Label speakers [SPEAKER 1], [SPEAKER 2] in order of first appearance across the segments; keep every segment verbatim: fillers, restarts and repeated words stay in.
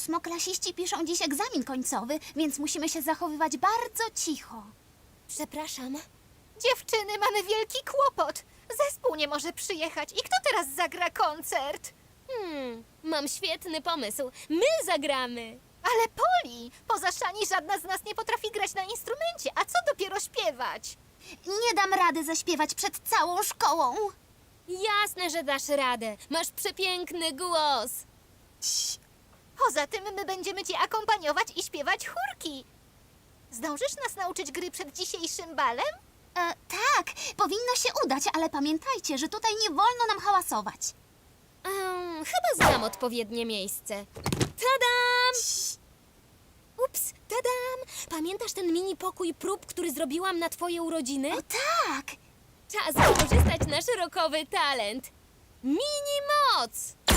[SPEAKER 1] Ósmoklasiści piszą dziś egzamin końcowy, więc musimy się zachowywać bardzo cicho.
[SPEAKER 2] Przepraszam.
[SPEAKER 3] Dziewczyny, mamy wielki kłopot. Zespół nie może przyjechać. I kto teraz zagra koncert?
[SPEAKER 2] Hmm, mam świetny pomysł. My zagramy.
[SPEAKER 3] Ale Poli, poza Szani żadna z nas nie potrafi grać na instrumencie, a co dopiero śpiewać?
[SPEAKER 1] Nie dam rady zaśpiewać przed całą szkołą.
[SPEAKER 2] Jasne, że dasz radę. Masz przepiękny głos.
[SPEAKER 3] Poza tym my będziemy ci akompaniować i śpiewać chórki. Zdążysz nas nauczyć gry przed dzisiejszym balem?
[SPEAKER 1] E, tak, powinno się udać, ale pamiętajcie, że tutaj nie wolno nam hałasować.
[SPEAKER 2] Um, chyba znam odpowiednie miejsce. Tadam! Ups, tadam! Pamiętasz ten mini pokój prób, który zrobiłam na twoje urodziny?
[SPEAKER 1] O tak!
[SPEAKER 2] Czas wykorzystać nasz rokowy talent. Mini moc!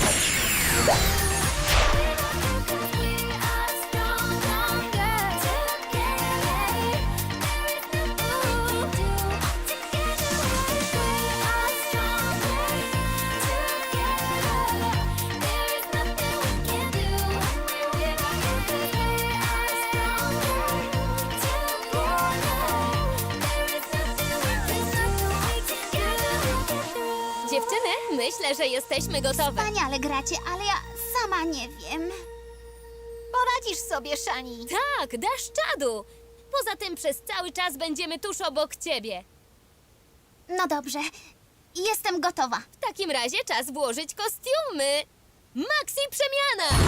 [SPEAKER 2] Dziewczyny, myślę, że jesteśmy gotowe.
[SPEAKER 1] Wspaniale gracie, ale ja sama nie wiem.
[SPEAKER 3] Poradzisz sobie, Szani.
[SPEAKER 2] Tak, dasz czadu. Poza tym przez cały czas będziemy tuż obok ciebie.
[SPEAKER 1] No dobrze, jestem gotowa.
[SPEAKER 2] W takim razie czas włożyć kostiumy. Maxi przemiana!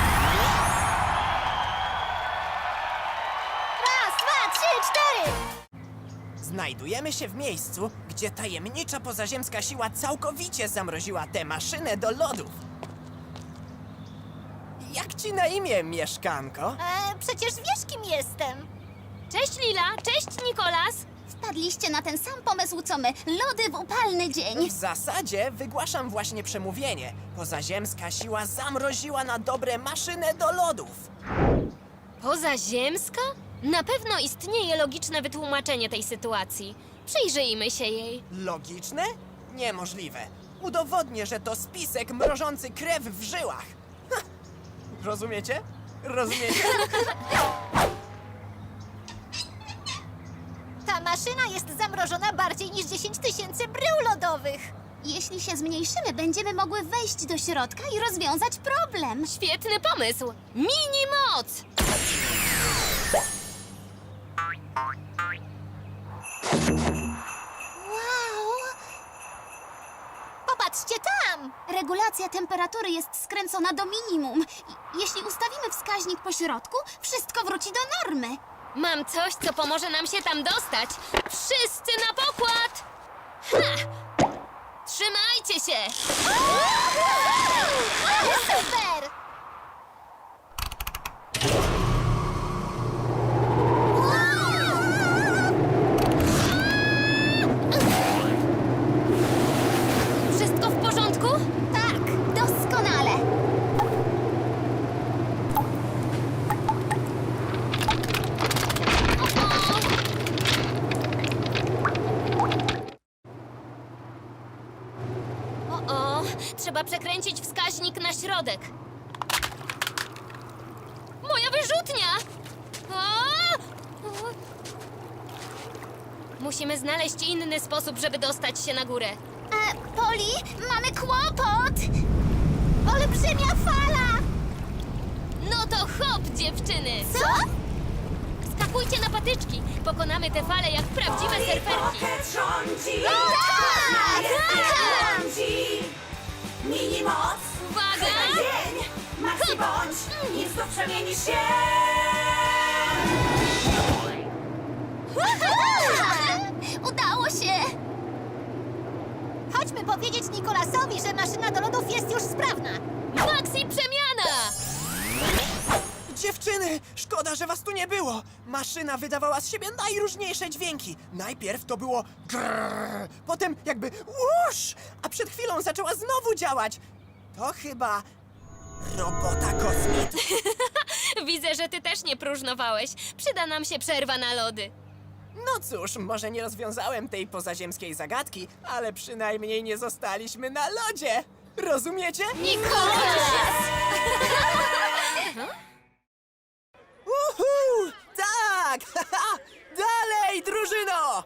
[SPEAKER 3] Raz, dwa, trzy, cztery!
[SPEAKER 4] Znajdujemy się w miejscu, gdzie tajemnicza pozaziemska siła całkowicie zamroziła tę maszynę do lodów. Jak ci na imię, mieszkanko?
[SPEAKER 3] E, przecież wiesz, kim jestem.
[SPEAKER 2] Cześć Lila, cześć Nikolas.
[SPEAKER 1] Wpadliście na ten sam pomysł co my. Lody w upalny dzień.
[SPEAKER 4] W zasadzie wygłaszam właśnie przemówienie. Pozaziemska siła zamroziła na dobre maszynę do lodów.
[SPEAKER 2] Pozaziemska? Na pewno istnieje logiczne wytłumaczenie tej sytuacji. Przyjrzyjmy się jej.
[SPEAKER 4] Logiczne? Niemożliwe. Udowodnię, że to spisek mrożący krew w żyłach. Ha! Rozumiecie? Rozumiecie?
[SPEAKER 3] Ta maszyna jest zamrożona bardziej niż dziesięć tysięcy brył lodowych.
[SPEAKER 1] Jeśli się zmniejszymy, będziemy mogły wejść do środka i rozwiązać problem.
[SPEAKER 2] Świetny pomysł! Mini moc!
[SPEAKER 1] Wow!
[SPEAKER 3] Popatrzcie tam!
[SPEAKER 1] Regulacja temperatury jest skręcona do minimum. I- Jeśli ustawimy wskaźnik po środku, wszystko wróci do normy.
[SPEAKER 2] Mam coś, co pomoże nam się tam dostać. Wszyscy na pokład! Ha! Trzymajcie się!
[SPEAKER 3] Super!
[SPEAKER 2] Wszystko w porządku?
[SPEAKER 1] Tak, doskonale.
[SPEAKER 2] O, o, trzeba przekręcić wskaźnik na środek. Moja wyrzutnia! O! O! Musimy znaleźć inny sposób, żeby dostać się na górę.
[SPEAKER 1] E, Poli, mamy kłopot!
[SPEAKER 3] Olbrzymia fala!
[SPEAKER 2] No to hop, dziewczyny!
[SPEAKER 1] Co?
[SPEAKER 2] Skakujcie na patyczki. Pokonamy te fale jak prawdziwe surferki.
[SPEAKER 5] Pocket rządzi!
[SPEAKER 1] Tak!
[SPEAKER 5] Tak! Rządzi! Mini moc!
[SPEAKER 2] Uwaga!
[SPEAKER 5] Dzień! Maxi bądź! Nim znów przemienisz się!
[SPEAKER 1] Udało się!
[SPEAKER 3] Chodźmy powiedzieć Nikolasowi, że maszyna do lodów jest już sprawna.
[SPEAKER 2] Maxi przemiana!
[SPEAKER 4] Dziewczyny, szkoda, że was tu nie było. Maszyna wydawała z siebie najróżniejsze dźwięki. Najpierw to było grrr, potem jakby łusz, a przed chwilą zaczęła znowu działać. To chyba robota kosmitów.
[SPEAKER 2] Widzę, że ty też nie próżnowałeś. Przyda nam się przerwa na lody.
[SPEAKER 4] No cóż, może nie rozwiązałem tej pozaziemskiej zagadki, ale przynajmniej nie zostaliśmy na lodzie. Rozumiecie?
[SPEAKER 2] Nikolas!
[SPEAKER 4] Uhu! Tak! Dalej, drużyno!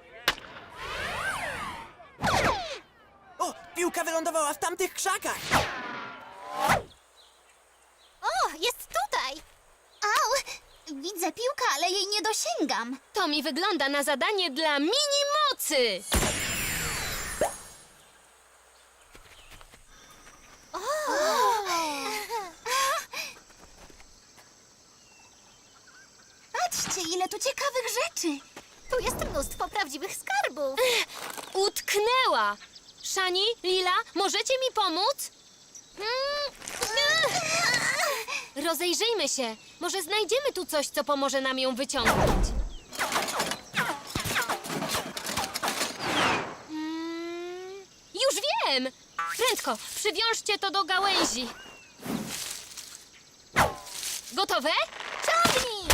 [SPEAKER 4] O, piłka wylądowała w tamtych krzakach.
[SPEAKER 3] O, jest tutaj!
[SPEAKER 1] Au! Widzę piłkę, ale jej nie dosięgam.
[SPEAKER 2] To mi wygląda na zadanie dla mini mocy.
[SPEAKER 1] Patrzcie, ile tu ciekawych rzeczy.
[SPEAKER 3] Tu jest mnóstwo prawdziwych skarbów.
[SPEAKER 2] Utknęła. Szani, Lila, możecie mi pomóc? Mm. Rozejrzyjmy się. Może znajdziemy tu coś, co pomoże nam ją wyciągnąć. Mm. Już wiem! Prędko, przywiążcie to do gałęzi. Gotowe?
[SPEAKER 3] Ciągnij!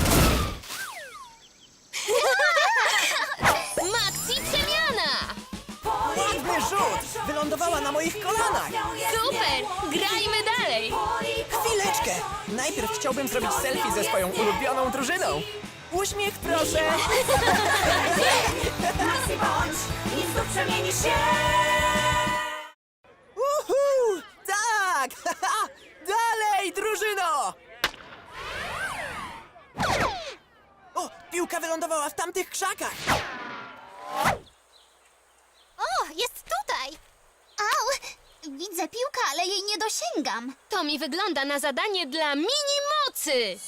[SPEAKER 2] Maxi przemiana!
[SPEAKER 4] Ładny rzut! Wylądowała na moich kolanach.
[SPEAKER 2] Super! Grajmy dalej!
[SPEAKER 4] Chwileczkę! Najpierw chciałbym zrobić selfie ze swoją ulubioną drużyną. Uśmiech, proszę!
[SPEAKER 5] Maxi bądź i znów przemienisz się.
[SPEAKER 4] Uhu! Tak! Dalej, drużyno! O, piłka wylądowała w tamtych krzakach.
[SPEAKER 3] O, jest tutaj!
[SPEAKER 1] Au! Widzę piłkę, ale jej nie dosięgam.
[SPEAKER 2] To mi wygląda na zadanie dla mini mocy!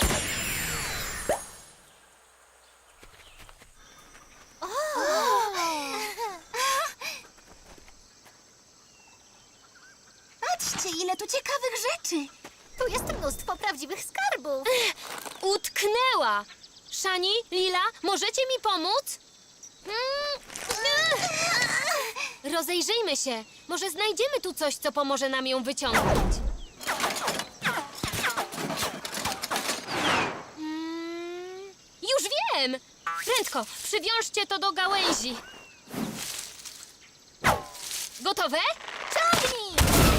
[SPEAKER 1] Patrzcie, ile tu ciekawych rzeczy.
[SPEAKER 3] Tu jest mnóstwo prawdziwych skarbów.
[SPEAKER 2] Utknęła! Szani, Lila, możecie mi pomóc? Mm. Rozejrzyjmy się. Może znajdziemy tu coś, co pomoże nam ją wyciągnąć. Mm. Już wiem! Prędko, przywiążcie to do gałęzi. Gotowe?
[SPEAKER 3] Ciągnij!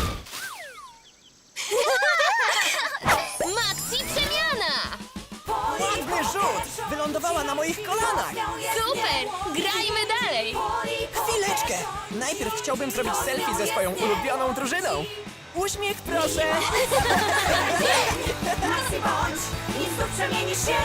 [SPEAKER 2] Maxi przemiana!
[SPEAKER 4] Ładny rzut! Wylądowała na moich kolanach.
[SPEAKER 2] Super! Grajmy dalej!
[SPEAKER 4] Chwileczkę! Najpierw chciałbym zrobić selfie ze swoją ulubioną drużyną. Uśmiech, proszę!
[SPEAKER 5] Maxi bądź i znów przemienisz się.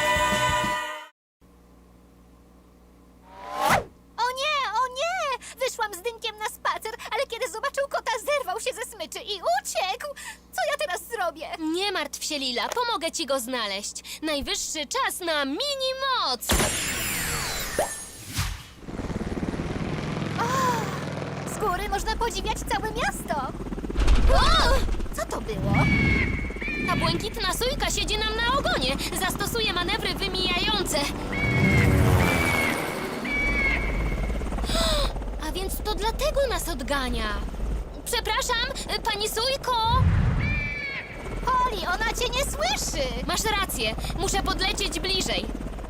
[SPEAKER 3] O nie, o nie! Wyszłam z Dynkiem na spacer, ale kiedy zobaczył kota, zerwał się ze smyczy i uciekł! Co ja teraz zrobię?
[SPEAKER 2] Nie martw się, Lila, pomogę ci go znaleźć. Najwyższy czas na mini moc!
[SPEAKER 3] Z góry można podziwiać całe miasto!
[SPEAKER 2] O!
[SPEAKER 3] Co to było?
[SPEAKER 2] Ta błękitna sójka siedzi nam na ogonie. Zastosuje manewry wymijające. A więc to dlatego nas odgania. Przepraszam, pani sójko!
[SPEAKER 3] Poli, ona cię nie słyszy!
[SPEAKER 2] Masz rację, muszę podlecieć bliżej.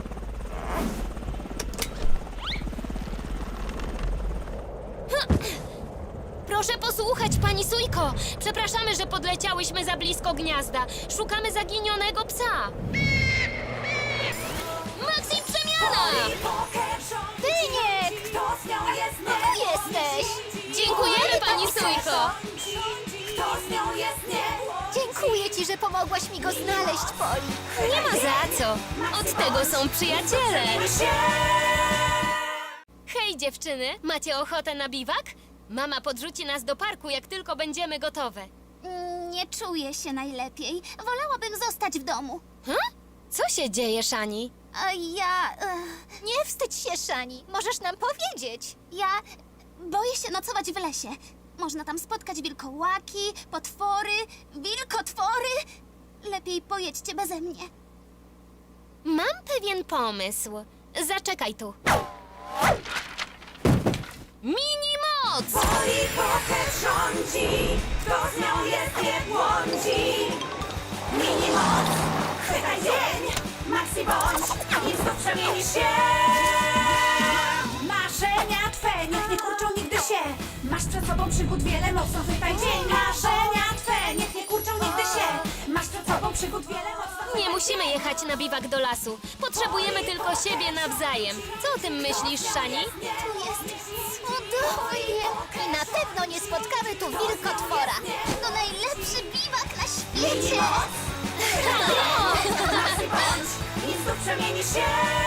[SPEAKER 2] Proszę posłuchać, pani sójko. Przepraszamy, że podleciałyśmy za blisko gniazda. Szukamy zaginionego psa. Maxi przemiana!
[SPEAKER 5] Poker rządzi.
[SPEAKER 3] Dyniek!
[SPEAKER 5] Kto z nią jest nie?
[SPEAKER 3] Tu jesteś!
[SPEAKER 2] Dziękujemy, pani sójko.
[SPEAKER 5] Kto z nią jest nie?
[SPEAKER 3] Dziękuję ci, że pomogłaś mi go znaleźć, Poli.
[SPEAKER 2] Nie ma za co. Od tego są przyjaciele.
[SPEAKER 5] Przemienisz się.
[SPEAKER 2] Hej, dziewczyny, macie ochotę na biwak? Mama podrzuci nas do parku, jak tylko będziemy gotowe.
[SPEAKER 1] Mm, Nie czuję się najlepiej. Wolałabym zostać w domu.
[SPEAKER 2] Hm? Co się dzieje, Szani?
[SPEAKER 1] A ja... ech,
[SPEAKER 3] Nie wstydź się, Szani. Możesz nam powiedzieć.
[SPEAKER 1] ja boję się nocować w lesie. Można tam spotkać wilkołaki, potwory, wilkotwory. Lepiej pojedźcie beze mnie.
[SPEAKER 2] Mam pewien pomysł. Zaczekaj tu. Mini moc!
[SPEAKER 5] Poli poker rządzi. Kto z nią jest nie błądzi. Mini moc. Chwytaj dzień. Maxi bądź i znów przemienisz się. Marzenia twe niech nie kurczą nigdy się. Masz przed sobą przygód wiele, mocno chwytaj dzień. Marzenia twe niech nie kurczą nigdy się. Masz przed sobą przygód wiele, mocno
[SPEAKER 2] Nie musimy jechać na biwak do lasu. Potrzebujemy tylko siebie nawzajem. Co o tym myślisz, Szani?
[SPEAKER 1] Tu jest cudownie!
[SPEAKER 3] I na pewno nie spotkamy tu wilkotwora.
[SPEAKER 1] To najlepszy biwak na świecie!
[SPEAKER 5] Maxi bądź i znów przemienisz się